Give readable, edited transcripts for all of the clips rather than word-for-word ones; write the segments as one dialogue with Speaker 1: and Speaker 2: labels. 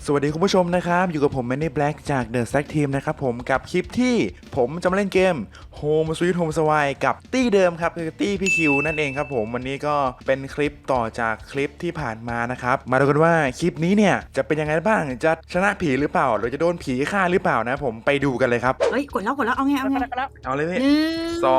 Speaker 1: สวัสดีคุณผู้ชมนะครับอยู่กับผมแมนนี่แบล็กจาก The Stack Team นะครับผมกับคลิปที่ผมจะมาเล่นเกม Home Sweet Home Sway กับตี้เดิมครับคือตี้พี่คิวนั่นเองครับผมวันนี้ก็เป็นคลิปต่อจากคลิปที่ผ่านมานะครับมาดูกันว่าคลิปนี้เนี่ยจะเป็นยังไงบ้างจะชนะผีหรือเปล่าหรือจะโดนผีฆ่าหรือเปล่านะผมไปดูกันเลยครับ
Speaker 2: เฮ้ยกดแล้วเอาไง
Speaker 1: เอาเลยพี่
Speaker 2: หนึ่ง
Speaker 1: สอง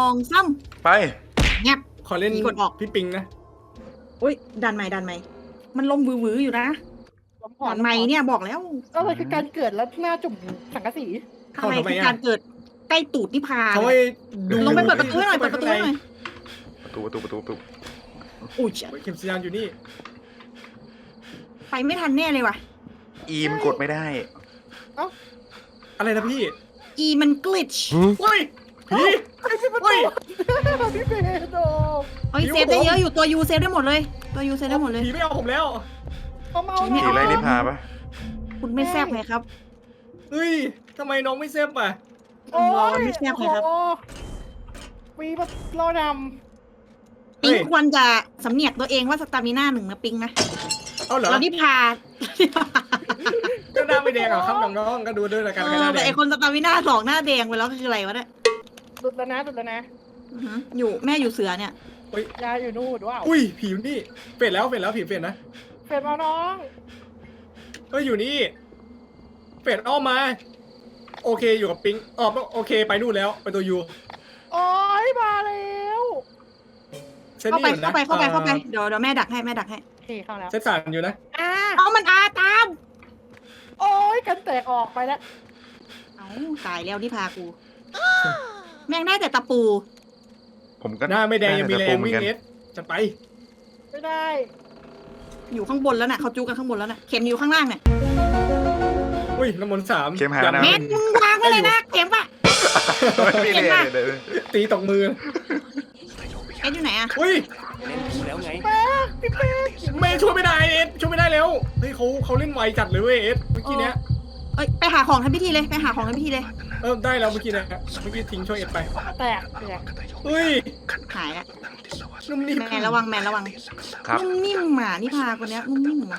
Speaker 2: สาม
Speaker 1: ไป
Speaker 2: เงียบ
Speaker 3: ขอเล่น
Speaker 2: กดออก
Speaker 3: พี่ปิงนะ
Speaker 2: อุ้ยดันใหม่มันลมวืออยู่นะดันใหม่เนี่ยบอกแล้ว
Speaker 4: อะไรคือการเกิดแล้วหน้าจุ่มสังกะสี
Speaker 2: ทำไมคือการเกิดใกล้ตูดนิพา
Speaker 3: เขาให้ดู
Speaker 2: ลงไปเปิดประตูให้หน่อยเปิดประตูให้หน่อย
Speaker 1: ประตู
Speaker 2: อุ้ย
Speaker 3: เข็มสัญญาณอยู่นี่
Speaker 2: ไปไม่ทันแน่เลยว่ะ
Speaker 1: อีมกดไม่ได้
Speaker 3: อะไรนะพี่
Speaker 2: อีมันกลิช
Speaker 3: เฮ้ยพี่
Speaker 4: เฮ้ยพี่เบโด
Speaker 2: เฮ้ยเซฟได้เยอะอยู่ตัวยูเซฟได้หมดเลยตัวยูเซฟได้หมดเลย
Speaker 3: ผีไม่เอาผมแล้ว
Speaker 4: เขาเมา
Speaker 1: ผีไรนิพาปะ
Speaker 2: คุณไม่แซ่บไงครับ
Speaker 3: เฮ้ยทำไมน้องไม่เซฟอ่ะ
Speaker 2: รอไม่แซ่บไงครับ
Speaker 4: มีแบบรอน
Speaker 2: ปิงควรจะสำเนียกตัวเองว่าสตามิน่าหนึ่งนะปิงนะ
Speaker 3: เอาเหรอ
Speaker 2: เรานิพา
Speaker 3: ก็หน้าไม่แดงเหรอครับน้องๆก็ดูด้วยละกันใครหน้าแด
Speaker 2: แต่
Speaker 3: ง
Speaker 2: ไอคนสตามิน่าสองหน้าแดงไปแล้วคืออะไรวะเนี่ย
Speaker 4: ำดุดแล้วนะ
Speaker 2: อือหืออยู่แม่อยู่เสือเนี่ย
Speaker 4: ยาอยู่นู่นว้าว
Speaker 3: อุ้ยผีอยู่นี่เฟดแล้วผีเฟดนะ
Speaker 4: เฟดมาน้อง
Speaker 3: เฮ้ยอยู่นี่เฟดอ้อมมาโอเคอยู่กับปิงโอเคไปนู่นแล้วไปตัวยู
Speaker 4: โอ้ยมาแล้ว
Speaker 3: เซต
Speaker 2: เข้า
Speaker 3: นี่
Speaker 2: ไป
Speaker 3: อยู่นะ
Speaker 2: เข้าไปเดี๋ยวแม่ดักให้
Speaker 4: โอเคเข้าแล้ว
Speaker 3: เซตสามอยู่นะ
Speaker 2: เอามันอาตาม
Speaker 4: โอ้ยกันแตกออกไปแล้ว
Speaker 2: เอาตายแล้วที่พากู แม่งได้แต่ตะปู
Speaker 1: ผมก็
Speaker 3: หน้าไม่แดงยังมีแรงวิ่ง
Speaker 1: กัน
Speaker 3: เน็ตจะไป
Speaker 4: ไม่ได้
Speaker 2: อยู่ข้างบนแล้วน่ะเขาจูกันข้างบนแล้วน่ะเข็มอยู่ข้างล่างเนี่ย
Speaker 3: อุ้ยน้ำมนต์สาม
Speaker 1: เข้มหานะ
Speaker 2: แม่งมึงวางไว้เลยนะเข็มปะ
Speaker 1: ไม่
Speaker 2: เห็นปะ
Speaker 1: เลย
Speaker 3: ตีตกมือ
Speaker 2: เอ็ดอยู่ไหนอะ
Speaker 3: อุ้ย
Speaker 4: แป๊กพี่แป๊ก
Speaker 3: ไม่ช่วยไม่ได้เอ็ดช่วยไม่ได้แล้วเฮ้ยเขาเล่นไวจัดเลยเว้ยเอ็ดเมื่อกี้เนี้ย
Speaker 2: เอ้ยไปหาของทำพิธีเลยไปหาของทำพิธีเลย
Speaker 3: ได้แล้วเมื่อกี้นะเมื่อกี้ทิ้งช่วยเอ็ดไป
Speaker 4: แตก
Speaker 3: เฮ้ย
Speaker 2: หายละ
Speaker 3: นุ่มนิ่ม
Speaker 2: แมนระวัง
Speaker 1: ครับ
Speaker 2: นุ่มนิ่มหมานี่พาคนเนี้ยนุ่มนิ่มว่ะ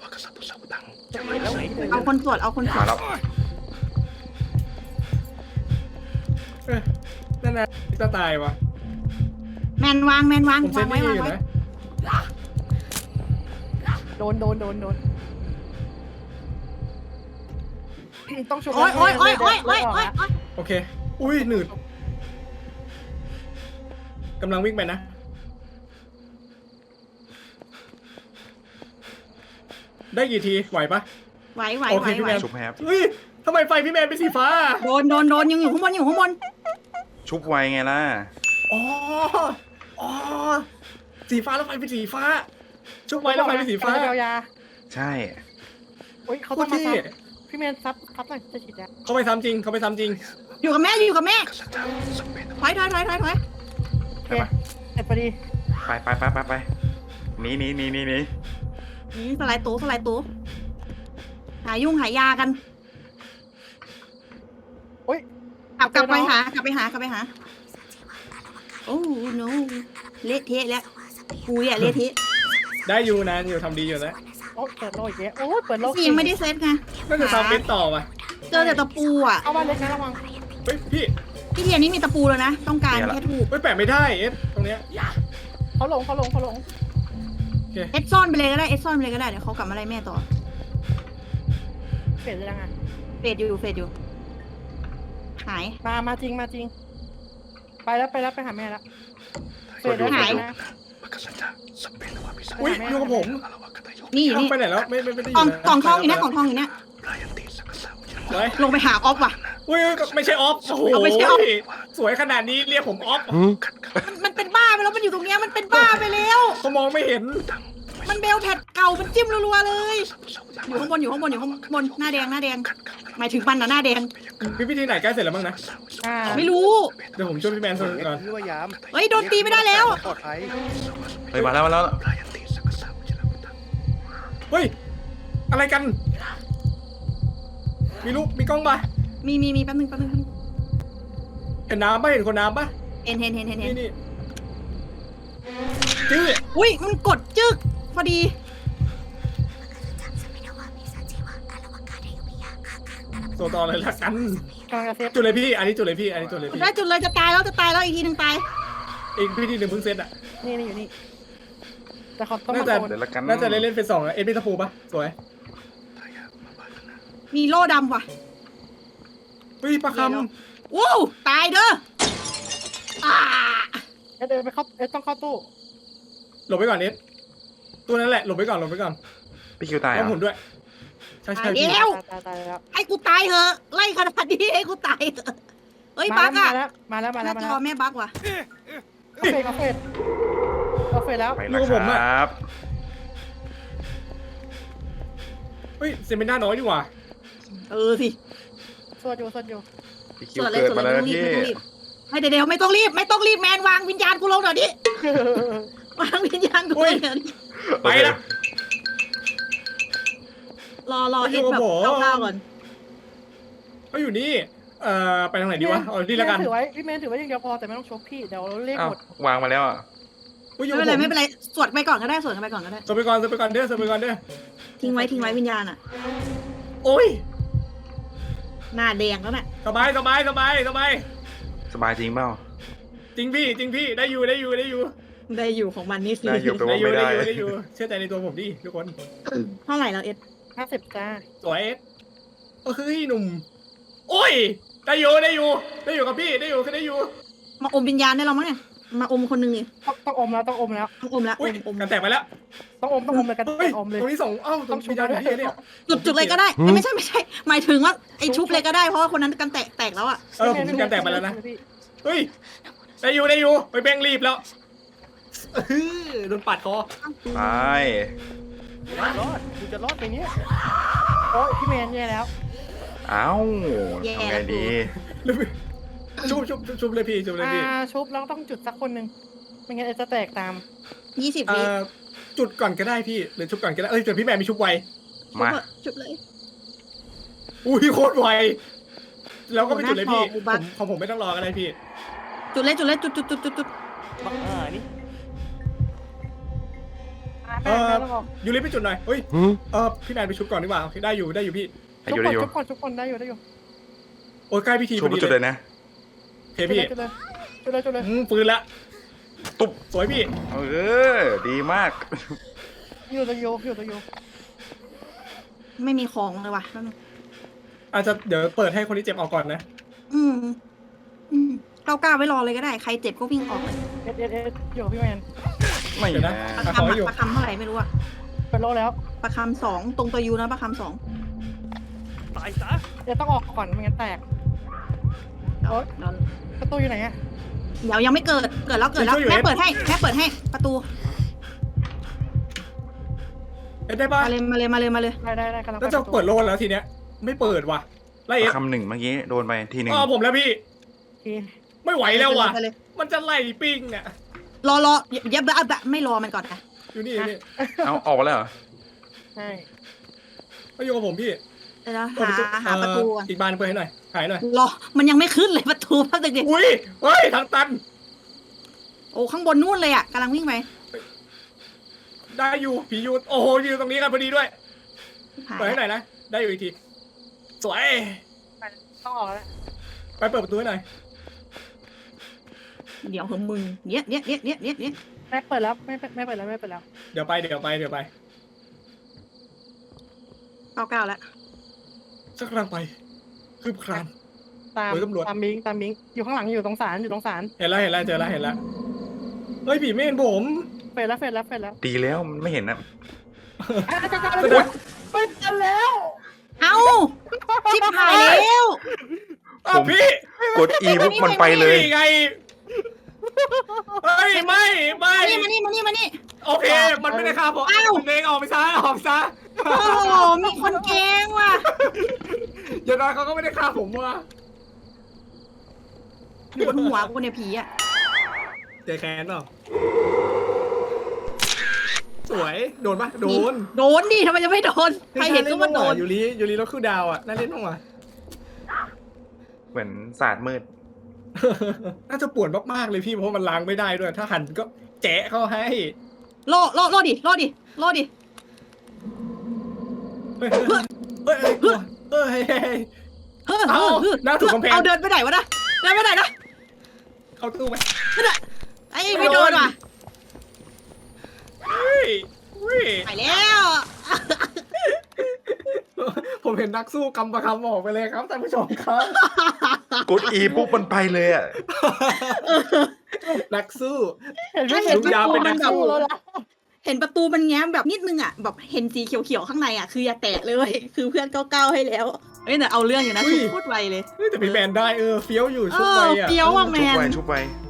Speaker 2: เอาคนสวด
Speaker 1: มาแล้ว
Speaker 3: นั่นนะจะตายวะ
Speaker 2: แมนวาง
Speaker 3: ผมเซ
Speaker 2: วา
Speaker 3: ต
Speaker 2: งไว้
Speaker 3: นี่
Speaker 2: วาง
Speaker 3: อยู่
Speaker 2: ไว้
Speaker 3: นะ
Speaker 4: โดนต้องชุบ
Speaker 2: โอ๊ย
Speaker 3: โอเคอุ้ยหนืดกำลังวิ่งไปนะได้กี่ทีไหวปะ
Speaker 2: ไหว
Speaker 3: โอเคพี่แมน
Speaker 1: ชุบแฮป
Speaker 3: เฮ้ยทำไมไฟพี่แมนเป็นสีฟ้า
Speaker 2: โดนยังอยู่ข้างบน
Speaker 1: ชุบไวไงล่ะ
Speaker 3: อ๋อสีฟ้าแล้วไฟเป็นสีฟ้า ชุบไว้แล้วไฟเป็นสีฟ้า
Speaker 4: ยา
Speaker 1: ใช่
Speaker 4: โอ้ยเขา
Speaker 3: โค
Speaker 4: ต้อ
Speaker 3: ต
Speaker 4: ง
Speaker 3: ร
Speaker 4: มา
Speaker 3: เท่
Speaker 4: พี่แมนซับหน่อยจะฉีดยา
Speaker 3: เขาไปซ้ำจริง
Speaker 2: อยู่กับแม่ถอย
Speaker 4: โอเคเสร็จพอดี
Speaker 1: ไปหนี
Speaker 2: นี่สไลด์ตู้หายุ่งหายากัน
Speaker 4: โอ้ย
Speaker 2: กลับไปหาโอ้ no เละเทะแล้วกูเนี่ยเละเทะ
Speaker 3: ได้อยู่นะอยู่ทำดีอยู่นะ
Speaker 4: โอ้เปิดโลกอีกแล้วโอ้ยเปิดโลก
Speaker 2: ยังไม่ได้เซตไง
Speaker 3: น่าจะทำเป็นต่อว่ะ
Speaker 2: เจอแต่ตะปูอ่ะ
Speaker 4: เอามาเล็กนะระวัง
Speaker 3: เฮ้ยพี่
Speaker 2: พี่เทียนนี่มีตะปูแล้วนะต้องการแค่ถูก
Speaker 3: เฮ้ยแปะไม่ได้เอสตรงเนี้ย
Speaker 4: เขาหลง
Speaker 2: เอ็ดซ่อนไปเลยก็ได้เดี๋ยวเขากลับมาไล่แม่ต่อ
Speaker 4: เปลี่ยนเลยยังไง
Speaker 2: เฟดอยู่หาย
Speaker 4: มาจริงไปแล้วไปหาแม่แล้ว
Speaker 2: หาย
Speaker 3: อุ้ยอยู่กับผม
Speaker 2: นี่
Speaker 3: เอาไปไหนแล้วไม่ได้อยู่
Speaker 2: กล่องทองอยู่เนี่ย
Speaker 3: ไว้
Speaker 2: ลงไปหาออฟว่ะ
Speaker 3: อุ้ยไม่ใช่ออฟโอ้โห
Speaker 2: ไม่ใช่ออฟ
Speaker 3: สวยขนาดนี้เรียกผมออฟ
Speaker 2: มันเป็นบ้าไปแล้วมันอยู่ตรงเนี้ยมันเป็นบ้าไปแล้ว
Speaker 3: เขามองไม่เห็น
Speaker 2: มันเบลแพดเก่ามันจิ้มรัวๆเลย อยู่ข้างบนหน้าแดงหมายถึงมันนะหน้าแดง
Speaker 3: มีพิธีไหนใกล้เสร็จแล้วบ้างนะ
Speaker 2: ไม่รู้
Speaker 3: เดี๋ยวผมช่วยพี่แมนส่งก่อน
Speaker 5: พี่ว่ายาม
Speaker 2: เฮ้ยโดนตีไม่ได้แล้ว
Speaker 5: ปลอดภัย
Speaker 1: เฮ้ยมาแล้ว
Speaker 3: เฮ้ยอะไรกัน มีลูกมีกล้องปะ
Speaker 2: มีแป๊บนึง
Speaker 3: เห็นน้ำปะเห็นคนน้ำปะ
Speaker 2: เห็น
Speaker 3: นี่จื้อ
Speaker 2: อุ้ยมันกดจึกพอดี
Speaker 3: ตัวต่อเลยละกัน
Speaker 4: กำลังจะเซฟ
Speaker 3: จุดเลยพี่ อันนี้จุดเลยพี่ อันนี้จุดเลยพี่
Speaker 2: ได้จุดเลยจะตายแล้วอีกทีหนึ่งตาย
Speaker 3: อีกพี่ที่หนึ่งเพิ่งเซตอะ
Speaker 4: นี่อยู่นี่แต่เขาต้อง
Speaker 3: น่า
Speaker 4: มา
Speaker 3: จะ
Speaker 4: โดน
Speaker 1: เดี๋ยวละกัน
Speaker 3: น่าจะเล่นเป็นสองอะเอ็นพีตะปูปะสวย
Speaker 2: มีโล่ดำว่ะ
Speaker 3: เฮ้ยประค
Speaker 2: วู้ตายเด้ออ่า
Speaker 4: เดินไปเข้าต้องเข้าตู้
Speaker 3: ำหลบไปก่อนเอ็ดตัวนั้นแหละหลบไปก่อนหลบไปก่อน
Speaker 1: พี่คิวตายเหร
Speaker 3: ต้องหมุ
Speaker 1: อน
Speaker 3: ด้วย ใช่
Speaker 2: ตา
Speaker 3: ใช่
Speaker 2: ย
Speaker 3: พี่
Speaker 2: แล้ว
Speaker 4: ตายแล้ว
Speaker 2: ให้กูตายเถอะไล่ขนาดนี้ให้กูตายเถอะเฮ้ยบักอะ
Speaker 4: มาแล้ว
Speaker 2: หน้าจอแม่บักว่ะ
Speaker 4: เอาเฟดแล้ว
Speaker 1: ไปแล้วครับ
Speaker 3: เฮ้ยเซมิน่าน้อยดีกว่า
Speaker 2: สิ
Speaker 4: สวดอยู่
Speaker 1: พี่คิว
Speaker 2: ส่วนเลย
Speaker 1: เกิด
Speaker 2: ส่วน
Speaker 1: มา
Speaker 2: เล
Speaker 1: แล้
Speaker 2: ยว ไม่
Speaker 1: พี่
Speaker 2: ต้องรีบให้เดี๋ยวไม่ต้องรีบแมนวางวิญญาณกูลงเดี๋ยวนี้วางวิญญาณกูเดี๋ยวนี้
Speaker 3: ไปละ
Speaker 2: รอเอ็ดแบบก้าวก่อน
Speaker 3: เขาอยู่นี่ไปทางไหนดีวะเอาที่ละกัน
Speaker 4: ถือไว้พี่เมนถือไว้อย่างเดียวพอแต่ไม่ต้องชกพี่เดี๋ยวเลข
Speaker 1: อ้า
Speaker 4: ห
Speaker 1: ว
Speaker 4: มด
Speaker 1: วางมาแล้วอ่ะ
Speaker 3: อุ้ยอยู่
Speaker 2: ไม่
Speaker 3: กับ
Speaker 2: เป็นไรสวดไปก่อนก็ได้สวดกันไปก่อนก็ได้
Speaker 3: สไปก่อนสไปก่อนเด้อสไปก่อนเด้อ
Speaker 2: ทิ้งไว้วิญญาณอะ
Speaker 3: โอ้ย
Speaker 2: หน้าแดงแล้วน่ะ
Speaker 3: สบาย
Speaker 1: สบายจริงเปล่า
Speaker 3: จริงพี่ได้อยู่
Speaker 2: ได้อยู่ของมันนี่สิ
Speaker 1: ได้อยู่
Speaker 3: ได้อยู่เชื่อใจในตัวผมดิทุกคน
Speaker 2: เท่าไหร่แล้วเอ็ด
Speaker 4: 50จ้า
Speaker 3: สวยเฮ้ยหนุ่มโอ้ยได้อยู่กับพี่ได้อยู่
Speaker 2: มาอมวิญญาณได้เรามั้งเนี่ยมาอมคนนึงนี่
Speaker 4: ต้องอมแล้ว
Speaker 2: ต้องอมแล้ว
Speaker 3: อุ้ย
Speaker 2: อม
Speaker 3: กันแตกไปแล้ว
Speaker 4: ต้องอมเลยกัน
Speaker 3: เฮ้ย
Speaker 4: อมเลย
Speaker 3: ตรงนี้ส่งตรงวิญญาณอยู่ที่เนี่ย
Speaker 2: จุดเลยก็ได้ไม่ใช่หมายถึงว่าไอชุบเลยก็ได้เพราะว่าคนนั้นกันแตกแล้วอะ
Speaker 3: ผมกันแตกไปแล้วนะเฮ้ยได้อยู่ไปเบ่งรีบแล้วโดนปัดคอ
Speaker 1: ไป
Speaker 4: รอดกูจะรอดไปเนี้ยโอ้ยพี่เมนแย่แล้ว
Speaker 1: เอ้าทำไงดี
Speaker 3: ชุบเลยพี่ชุบเลยพี่
Speaker 4: ชุบแล้วต้องจุดสักคนหนึ่งไม่งั้นจะแตกตาม
Speaker 2: 20 วิ
Speaker 3: จุดก่อนก็ได้พี่หรือชุบก่อนก็ได้แต่พี่แม่มีชุบไว
Speaker 1: มา
Speaker 2: ชุบเลย
Speaker 3: อุ้ยโคตรไวแล้วก็ไปจุดเลยพี่
Speaker 2: โอ้โหน่าพอกูบัก
Speaker 3: ของผมไม่ต้องรอก็ได้พี่
Speaker 2: จุดเลยจุด
Speaker 4: บังนี่
Speaker 3: ยูริไปจุดหน่อยเฮ้ยพี่แมนไปชุบก่อนดีกว่าโอเคได้อยู่พี่
Speaker 1: ให้อยู่ได้อยู่
Speaker 4: ทุกคนได้อยู่
Speaker 3: โอ้ยใกล้พิธี
Speaker 1: ชุบจุดเลยนะ
Speaker 3: โอเคพี่
Speaker 4: จุดเลย
Speaker 3: ปืนละ
Speaker 1: ตุ๊บ
Speaker 3: สวยพี่
Speaker 1: ดีมาก
Speaker 4: อยู่ตัวโย
Speaker 2: ไม่มีของเลยว่ะ
Speaker 3: อาจจะเดี๋ยวเปิดให้คนที่เจ็บออกก่อนนะ
Speaker 2: ก้าวไว้รอเลยก็ได้ใครเจ็บก็วิ่งออกเลย
Speaker 4: เอสอยู่พี่แมน
Speaker 1: ไม่
Speaker 3: เดี๋ยวนะ
Speaker 1: นะ
Speaker 2: ประคำประคำเท่าไหร่ไม่รู้อะ
Speaker 4: เป็นโลแล้ว
Speaker 2: ประคำ2ตรงตัวยูนะประคำ2
Speaker 4: ตายซะเดี๋ยวต้องออกก่อนไม่งั้นแตกประตูอยู่ไหนอะ
Speaker 2: เดี๋ยวยังไม่เกิดแล้วแม่เปิดให้ประตู
Speaker 3: ได้ป่ะ
Speaker 2: มาเลย
Speaker 4: ได้กำลัง
Speaker 3: แล้วจะเปิดโลนแล้วทีเนี้ยไม่เปิดว่ะไล่เอฟ
Speaker 1: คำหนึ่งเมื่อกี้โดนไปทีหนึ่ง
Speaker 3: ผมแล้วพี่
Speaker 4: โอเค
Speaker 3: ไม่ไหวแล้วว่ะ
Speaker 2: ไปเลย
Speaker 3: มันจะไล่ปิ้งเนี่ย
Speaker 2: รออย่าไม่รอมันก่อนนะ
Speaker 3: อยู่นี่
Speaker 1: เอาออกมาแล้วเหรอ
Speaker 4: ใช่
Speaker 3: ก็อยู่กับผมพี่
Speaker 2: เดี๋ยวหาประตูก่อน
Speaker 3: อีกบานเปิดให้หน่อยหายหน่อย
Speaker 2: รอมันยังไม่ขึ้นเลยประตูพักเด็ก
Speaker 3: อุ้ยเฮ้ยทางตัน
Speaker 2: โอ้ข้างบนนู่นเลยอะกำลังวิ่งไป
Speaker 3: ได้อยู่ผีอยู่โอ้โหอยู่ตรงนี้กันพอดีด้วยเปิดให้หน่อยนะได้อยู่อีกทีสวย
Speaker 4: ต้องออกแล้ว
Speaker 3: ไปเปิดประตูให้หน่อย
Speaker 2: เดี๋ยวของมึงเนี่ย
Speaker 4: แม่เปิดแล้วไม่เปิดแล้ว
Speaker 3: เดี๋ยวไป
Speaker 2: 99แล้ว
Speaker 3: สักครั้งไปคืบคลาน
Speaker 4: ตาม
Speaker 3: เฮ้ยตำรวจ
Speaker 4: ตามบิงอยู่ข้างหลังอยู่ตรงศาล
Speaker 3: เห็นแล้วเจอแล้วเฮ้ยผีไม่เห็นผม
Speaker 4: เฟดแล้ว
Speaker 1: ดีแล้วมันไม่เห็นนะ
Speaker 4: เป็นกันแล้ว
Speaker 2: เอ้าชิบหายแล้ว
Speaker 3: พี่
Speaker 1: กด E ปุ๊บมันไปเลย
Speaker 3: ไงเฮ้ยไม่
Speaker 2: มานี่
Speaker 3: โอเค มันไม่ได้ฆ่าผมมันเองออกไปซะ
Speaker 2: โอ้โหมีคนแกล้งว่ะ
Speaker 3: อย่างน้อยเขาก็ไม่ได้ฆ่าผมว่ะ
Speaker 2: อยู่บนหัวกูเนี่ยผีอะ
Speaker 3: เจอแค้นเปล่าสวยโดนปะโดน
Speaker 2: ดิทำไมจะไม่โดนใครเห็นก็ว่าโดน
Speaker 3: ยูริรถคู่ดาวอ่ะน่าเล่นบ้างวะ
Speaker 1: เหมือนศาสตร์มืด
Speaker 3: น่าจะปวดมากๆเลยพี่เพราะมันล้างไม่ได้ด้วย ถ้าหันก็แจะเข้าให้
Speaker 2: โล่ดิ
Speaker 3: เฮ้ยเอาหน้าถูกกำแพง
Speaker 2: เอาเดินไปไหนวะนะเดินไปไหนนะ
Speaker 3: เข้าตู้ไหม
Speaker 2: ไอ้ไม่โดนว่ะ
Speaker 3: เฮ้ยเฮ้ย
Speaker 2: ไปแล้ว
Speaker 3: ผมเห็นนักสู้กำประคำออกไปเลยครับท่านผู้ชมครับ
Speaker 1: กด E ปุ๊บมันไปเลยอ่ะ
Speaker 3: นักสู้
Speaker 4: เห็นไหม
Speaker 2: เห็น
Speaker 3: ลุงยาวเป็นนักสู้
Speaker 4: แล้วนะ
Speaker 2: เห็นประตูมันแง้มแบบนิดนึงอ่ะแบบเห็นสีเขียวๆข้างในอ่ะคืออย่าแตะเลย คือเพื่อนก้าวให้แล้วเอ้ยแต่เอาเรื่องอยู่นะ
Speaker 3: อุ้ย
Speaker 2: ชุดพูดไวเลย
Speaker 3: เฮ้ยแต่พี่แมนได้เฟี้ยวอยู่ชุดไปอ่ะ
Speaker 2: เฟี้ยวว่ะแม
Speaker 1: ชุบ
Speaker 2: น
Speaker 1: ไปชุบไป